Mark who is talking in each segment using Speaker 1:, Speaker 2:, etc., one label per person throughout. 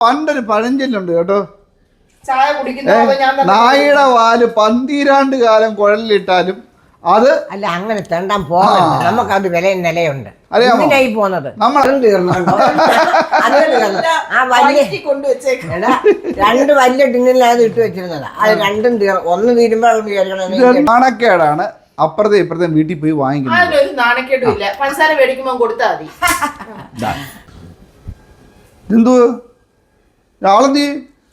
Speaker 1: പണ്ടൊരു പഴഞ്ചൊല്ലുണ്ട് കേട്ടോ,
Speaker 2: ചായ കുടിക്കുന്ന
Speaker 1: നായയുടെ വാല് 12 കാലം കുഴലിലിട്ടാലും അത്
Speaker 3: അല്ല അങ്ങനെ തെണ്ടാൻ പോകണ്ട. നമുക്കത് വിലയും നിലയുണ്ട്.
Speaker 1: അറിയാമോ
Speaker 3: പോന്നത്
Speaker 1: നമ്മൾ
Speaker 3: തീർന്നുണ്ടോ? ആ വലിയ എടാ 2 വലിയ ടിന്നിൽ ഇട്ട് വെച്ചിരുന്നതാ. അത് രണ്ടും ഒന്ന് തീരുമ്പോ
Speaker 1: നാണക്കേടാണ് അപ്പുറത്തെ ഇപ്പുറത്തെ വീട്ടിൽ പോയി വാങ്ങിക്കുന്നത്.
Speaker 2: ഒരു നാണക്കേടും ഇല്ല. പഞ്ചസാര മേടിക്കുമ്പോ കൊടുത്താൽ മതി.
Speaker 1: എന്തോ ആളെന്തി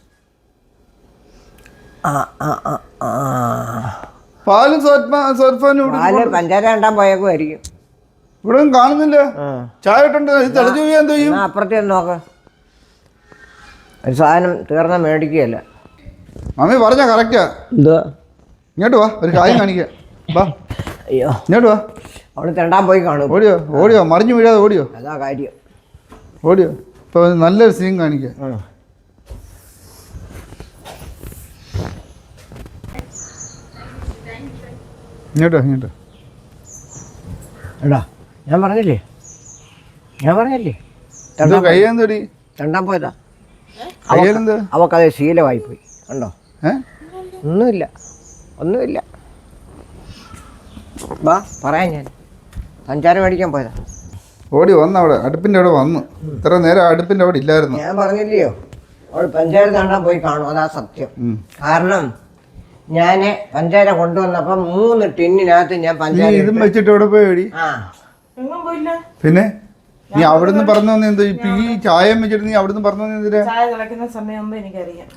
Speaker 1: പാലും
Speaker 3: പഞ്ചാര കണ്ടാൻ പോയേക്കുമായിരിക്കും.
Speaker 1: ഇവിടെ കാണുന്നില്ല. ചായ ഇട്ടുണ്ട് തെളിഞ്ഞു പോയാ എന്ത് ചെയ്യും?
Speaker 3: അപ്പുറത്തെ നോക്ക ഒരു സാധനം തീർന്ന മേടിക്കുകയല്ല.
Speaker 1: മമ്മി പറഞ്ഞ കറക്റ്റാ.
Speaker 3: എന്തുവാ?
Speaker 1: ഇങ്ങോട്ട് വാ, ഒരു കാര്യം കാണിക്കാം. വാ,
Speaker 3: അയ്യോ
Speaker 1: ഇങ്ങോട്ട് വാ.
Speaker 3: അവിടെ തെണ്ടാൻ പോയി കാണും.
Speaker 1: ഓടിയോ ഓടിയോ, മറിഞ്ഞു വീഴാതെ ഓടിയോ.
Speaker 3: അതാ കാര്യം.
Speaker 1: ഓടിയോ. ഇപ്പൊ നല്ലൊരു സീൻ കാണിക്കാം. ഇങ്ങോട്ടോ ഇങ്ങോട്ടോ.
Speaker 3: എടാ ഞാൻ പറഞ്ഞില്ലേ
Speaker 1: കയ്യെന്തോടി
Speaker 3: തെണ്ടാൻ പോയതാ.
Speaker 1: കയ്യിലെന്ത്?
Speaker 3: അവക്കത് ശീലമായി പോയി. കണ്ടോ? ഒന്നുമില്ല. വാ പറയാം. ഞാൻ പഞ്ചാര മേടിക്കാൻ പോയതാ.
Speaker 1: ഓടി വന്നു, അവിടെ അടുപ്പിൻ്റെ അവിടെ വന്നു. ഇത്ര നേരം അടുപ്പിൻ്റെ അവിടെ ഇല്ലായിരുന്നു.
Speaker 3: ഞാൻ പറഞ്ഞില്ലയോ അവൾ പഞ്ചാര തണ്ടാൻ പോയി കാണും. അതാ സത്യം. കാരണം ഞാൻ പഞ്ചാര കൊണ്ടുവന്നപ്പം 3 ടിന്നിനകത്ത് ഞാൻ പഞ്ചാര
Speaker 1: ഇതും വെച്ചിട്ട് ഇവിടെ പോയി ഓടി. പിന്നെ നീ അവിടുന്ന് പറഞ്ഞു വന്ന എന്തോ ഇപ്പൊ ഈ ചായം വെച്ചിട്ട് നീ അവിടുന്ന് പറഞ്ഞു വന്ന എന്തിനാ?
Speaker 2: ചായ തിളക്കുന്ന സമയമാകുമ്പോ എനിക്കറിയാം.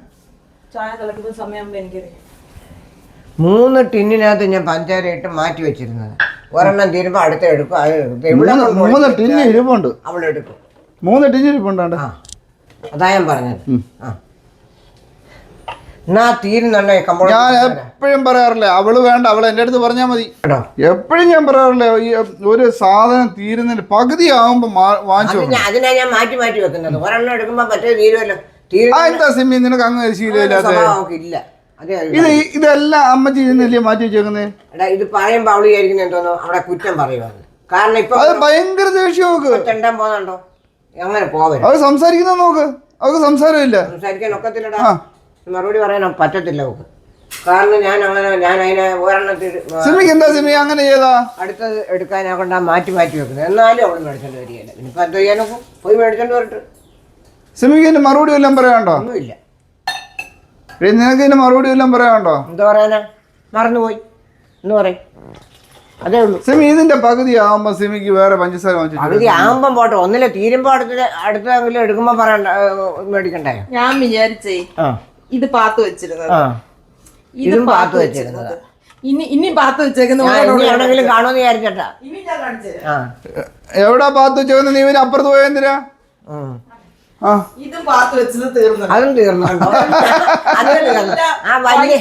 Speaker 3: 3 ടിന്നിനകത്ത് ഞാൻ പഞ്ചാര ഇട്ട് മാറ്റി വെച്ചിരുന്നത്. ഒരെണ്ണം തീരുമ്പോ അടുത്ത എടുക്കും.
Speaker 1: 3 ടിന്ന് ഇരിപ്പുണ്ട്.
Speaker 3: അവളെടുക്കും.
Speaker 1: 3 ടിന്ന് ഇരിപ്പുണ്ട്.
Speaker 3: അതാ ഞാൻ പറഞ്ഞത്. ഞാൻ
Speaker 1: എപ്പോഴും പറയാറില്ലേ അവള് വേണ്ട, അവള് എന്റെ അടുത്ത് പറഞ്ഞാൽ മതി. എപ്പോഴും ഞാൻ പറയാറില്ലേ ഈ ഒരു സാധനം തീരുന്നതിന് പകുതി ആവുമ്പോ വാങ്ങിച്ചു.
Speaker 3: അതിനാ ഞാൻ മാറ്റി വെക്കുന്നത്. ഒരെണ്ണം എടുക്കുമ്പോ മറ്റേ തീരുമല്ലോ.
Speaker 1: എന്താ സിമ്മി നിനക്ക് അങ്ങ് ശീലമില്ലാത്ത?
Speaker 3: ഇല്ല
Speaker 1: ഇതെല്ലാം അമ്മച്ചി ഇരുന്നല്ലേ മാറ്റി വെച്ചേക്കുന്നേ.
Speaker 3: ഇത് പറയുമ്പോ അവള് വിചാരിക്കുന്ന എന്തോന്നോ അവിടെ കുറ്റം പറയുവാണ്. കാരണം ഇപ്പൊ
Speaker 1: അത് ഭയങ്കര ദേഷ്യം നോക്ക്.
Speaker 3: തെണ്ടാൻ പോകുന്നുണ്ടോ? അങ്ങനെ പോവരുത്.
Speaker 1: അവര് സംസാരിക്കുന്ന നോക്ക്, അവർക്ക് സംസാരമില്ല.
Speaker 3: സംസാരിക്കാൻ ഒക്കത്തില്ലടാ. മറുപടി പറയാൻ പറ്റത്തില്ല അവക്ക്. കാരണം ഞാൻ അതിനെ
Speaker 1: സിമിക്ക് എന്താ സിമി അങ്ങനെ ചെയ്താ
Speaker 3: അടുത്തത് എടുക്കാനെ കൊണ്ട് മാറ്റി വെക്കുന്നത്. എന്നാലും അവള് മേടിച്ചോണ്ട് വരികയല്ല. ഇനിയിപ്പോ എന്തോ ചെയ്യാനൊക്കെ പോയി മേടിച്ചോണ്ട് വരട്ടെ.
Speaker 1: സിമിക്ക് ഇതിന്റെ മറുപടി വല്ലതും പറയാനുണ്ടോ?
Speaker 3: ഒന്നുമില്ല.
Speaker 1: നിനക്ക് ഇതിന്റെ മറുപടി വല്ലതും പറയാനുണ്ടോ?
Speaker 3: എന്താ പറയാനാ? മറന്നുപോയി എന്ന് പറയും. അതേ ഉള്ളൂ.
Speaker 1: സിമി ഇതിന്റെ പകുതി ആവുമ്പോ സിമിക്ക് വേറെ പഞ്ചസാര
Speaker 3: പകുതി ആകുമ്പം പോട്ടെ. ഒന്നില്ല തീരുമ്പോ അടുത്തെങ്കിലും എടുക്കുമ്പോ പറയണ്ട മേടിക്കണ്ടേ?
Speaker 2: ഞാൻ വിചാരിച്ചേ ഇത് പാത്ത് വെച്ചിരുന്നത്,
Speaker 3: ഇതും പാത്ത് വെച്ചിരുന്നത്.
Speaker 2: ഇനി പാത്ത് വെച്ചേക്കുന്ന
Speaker 3: എവിടെങ്കിലും കാണുമെന്ന് വിചാരിച്ചട്ടാ.
Speaker 1: എവിടാ പാത്ത് വെച്ചേക്കുന്ന? നീ ഇവന് അപ്പുറത്ത് പോയ എന്തിനാ?
Speaker 2: ഇതും പാത്ത് വെച്ചത് തീർന്നു.
Speaker 3: അതും തീർന്നു. ആ വലിയ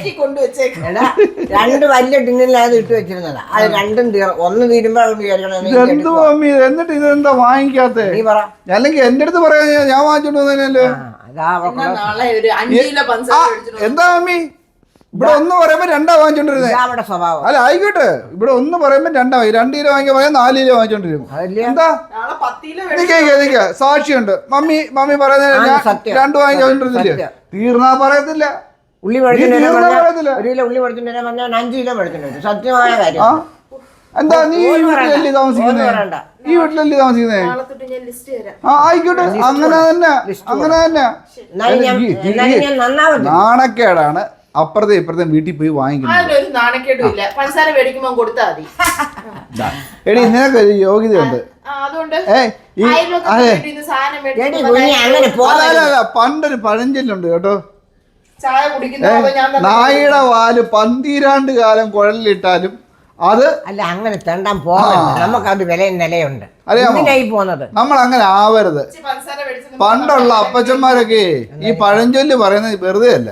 Speaker 3: 2 വലിയ ടിന്നിൽ ഇട്ട് വെച്ചിരുന്നതാ. അത് രണ്ടും ഒന്ന് തീരുമ്പോ
Speaker 1: എന്നിട്ട് ഇതെന്താ വാങ്ങിക്കാത്ത?
Speaker 3: നീ പറ.
Speaker 1: അല്ലെങ്കിൽ എന്റെ അടുത്ത് പറയാ, ഞാൻ വാങ്ങിച്ചോണ്ട് വന്നേനല്ലേ. എന്താ മമ്മി ഇവിടെ ഒന്ന് പറയുമ്പോ 2 വാങ്ങിച്ചോണ്ടിരുന്നേ? അല്ല ആയിക്കോട്ടെ, ഇവിടെ ഒന്ന് പറയുമ്പോ 2 2 കിലോ വാങ്ങിക്കാൻ പറയാൻ 4 കിലോ വാങ്ങിച്ചോണ്ടിരുന്നു. എന്താ നിക്ക സാക്ഷിയുണ്ട്. മമ്മി പറയുന്നത് 2 വാങ്ങിച്ചോണ്ടിരുന്നില്ലേ? തീർന്നാ പറയത്തില്ല.
Speaker 3: ഉള്ളി മേടിച്ചിട്ട് 5 കിലോ മേടിച്ചിട്ടുണ്ട്. സത്യമായ കാര്യം.
Speaker 1: എന്താ നീ ഈ വീട്ടിലല്ലേ താമസിക്കുന്നേ? ഈ വീട്ടിലല്ലേ താമസിക്കുന്നേ? ആയിക്കോട്ടെ, അങ്ങനെ തന്നെ. നാണക്കേടാണ് അപ്പുറത്തെ ഇപ്പുറത്തെ വീട്ടിൽ പോയി വാങ്ങിക്കുന്നത്.
Speaker 2: നാണക്കേടും ഇല്ല. പഞ്ചസാര മേടിക്കുമ്പോ കൊടുത്താൽ മതി.
Speaker 1: എടി നിനക്ക് ഒരു യോഗ്യതയുണ്ട്. പണ്ടൊരു പഴഞ്ചൊല്ലുണ്ട് കേട്ടോ,
Speaker 2: ചായ കുടിക്കുന്ന
Speaker 1: നായയുടെ വാല് 12 കാലം കുഴലിലിട്ടാലും അത്
Speaker 3: അല്ല അങ്ങനെ തെണ്ടാൻ പോകണ്ട. നമുക്കത് വിലയും നിലയുണ്ട്. പോന്നത്
Speaker 1: നമ്മൾ അങ്ങനെ ആവരുത്. പണ്ടുള്ള അപ്പച്ചന്മാരൊക്കെ ഈ പഴഞ്ചൊല്ല് പറയുന്നത് വെറുതെ അല്ല.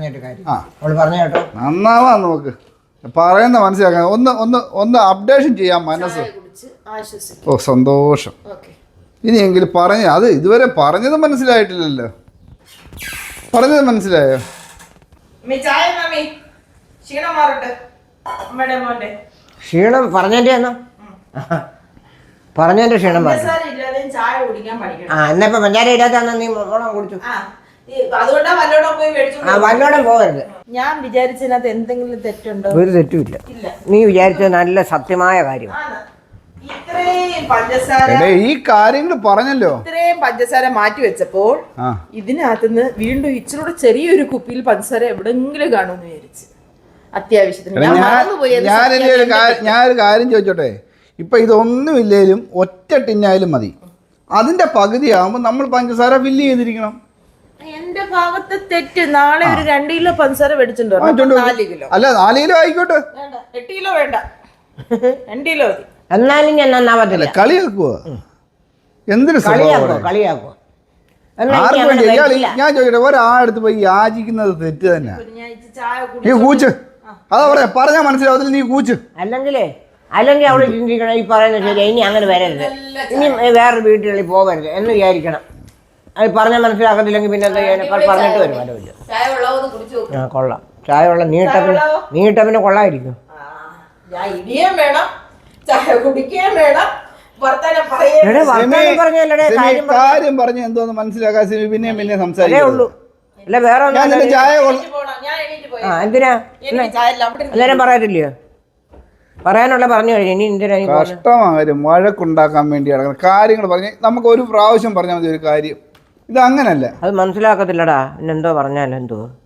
Speaker 1: നന്നാവാ നമുക്ക് പറയുന്ന മനസ്സിലാക്കാൻ. ഒന്ന് അപ്ഡേഷൻ ചെയ്യാൻ മനസ്സ്. ഓ സന്തോഷം. ഇനിയെങ്കിലും പറഞ്ഞ അത് ഇതുവരെ പറഞ്ഞത് മനസ്സിലായിട്ടില്ലല്ലോ. പറഞ്ഞത് മനസ്സിലായോ?
Speaker 3: ക്ഷീണം പറഞ്ഞതിന്റെ പറഞ്ഞതിന്റെ ക്ഷീണം പറഞ്ഞു.
Speaker 2: പഞ്ചസാര ഇല്ലാതെയും ചായ കുടിക്കാൻ പഠിക്കണം.
Speaker 3: എന്നാ ഇപ്പൊ പഞ്ചാര ഇടാത്താന്ന് നീ മോളം കുടിച്ചു.
Speaker 2: അതുകൊണ്ടാ വല്ലോടെ പോയി മേടിച്ചു.
Speaker 3: വല്ലോടും പോകരുത്.
Speaker 2: ഞാൻ വിചാരിച്ചതിനകത്ത് എന്തെങ്കിലും തെറ്റുണ്ടോ?
Speaker 3: ഒരു തെറ്റുമില്ല. നീ വിചാരിച്ചത് നല്ല സത്യമായ കാര്യം.
Speaker 2: ഇത്രയും പഞ്ചസാര
Speaker 1: ഈ കാര്യങ്ങൾ പറഞ്ഞല്ലോ.
Speaker 2: ഇത്രയും പഞ്ചസാര മാറ്റി വെച്ചപ്പോൾ ഇതിനകത്തുനിന്ന് വീണ്ടും ഇച്ചിരൂടെ ചെറിയൊരു കുപ്പിയിൽ പഞ്ചസാര എവിടെങ്കിലും കാണുമെന്ന് വിചാരിച്ചു. അത്യാവശ്യത്തിന്
Speaker 1: ഞാനൊരു കാര്യം ചോദിച്ചോട്ടെ. ഇപ്പൊ ഇതൊന്നും ഇല്ലേലും ഒറ്റ ടിന്നായാലും മതി. അതിന്റെ പകുതിയാകുമ്പോൾ നമ്മൾ പഞ്ചസാര ഫില്ല് ചെയ്തിരിക്കണം.
Speaker 2: എന്റെ ഭാഗത്ത് തെറ്റ്. നാളെ ഒരു 2 കിലോ പഞ്ചസാര മേടിച്ചിട്ടുണ്ടോ? 4 കിലോ.
Speaker 1: അല്ല 4 കിലോ ആയിക്കോട്ടെ.
Speaker 2: 8 കിലോ വേണ്ട, 2 കിലോ മതി.
Speaker 3: എന്നാലും ഞാൻ നന്നാവത്തില്ല.
Speaker 1: കളിയാക്കുവോ? എന്തിനു
Speaker 3: കളിയാക്കുവോ?
Speaker 1: ആർക്കും വേണ്ടി ഞാൻ ചോദിക്കട്ടെ, ഒരാളടുത്ത് പോയി യാചിക്കുന്നത് തെറ്റ് തന്നെ. നീ കൂച്ച്, അതാ പറയാ, പറഞ്ഞാൽ മനസ്സിലാവത്തില്ല. നീ കൂച്ച്.
Speaker 3: അല്ലെങ്കിൽ അവിടെ ചിന്തിക്കണം, ഈ പറയുന്നത് ശരി, ഇനി അങ്ങനെ വരരുത്, ഇനി വേറൊരു വീട്ടുകളിൽ പോകരുത് എന്ന് വിചാരിക്കണം. അത് പറഞ്ഞാൽ മനസ്സിലാക്കത്തില്ലെങ്കിൽ പിന്നെ എന്താ ചെയ്യാൻ? പറഞ്ഞിട്ട് വരും. കൊള്ളാം. ചായ വെള്ളം നീട്ടപ്പിന്നെ കൊള്ളായിരിക്കും.
Speaker 1: കാര്യം പറഞ്ഞ എന്തോന്ന് മനസ്സിലാക്കാൻ പിന്നെ പിന്നെ സംസാരിക്കുള്ളൂ.
Speaker 3: അല്ല വേറെ
Speaker 1: ചായ
Speaker 3: എന്തിനാ അന്നേരം പറയത്തില്ലയോ? പറയാനുള്ള പറഞ്ഞു കഴിഞ്ഞു. ഇനി എന്തിനാ
Speaker 1: കഷ്ടമാരും വഴക്കുണ്ടാക്കാൻ വേണ്ടി നടക്കണം. കാര്യങ്ങൾ പറഞ്ഞ് നമുക്ക് ഒരു പ്രാവശ്യം പറഞ്ഞാൽ മതി ഒരു കാര്യം. ഇത് അങ്ങനല്ല.
Speaker 3: അത് മനസ്സിലാക്കത്തില്ലടാ. എന്തോ പറഞ്ഞാലെന്തോ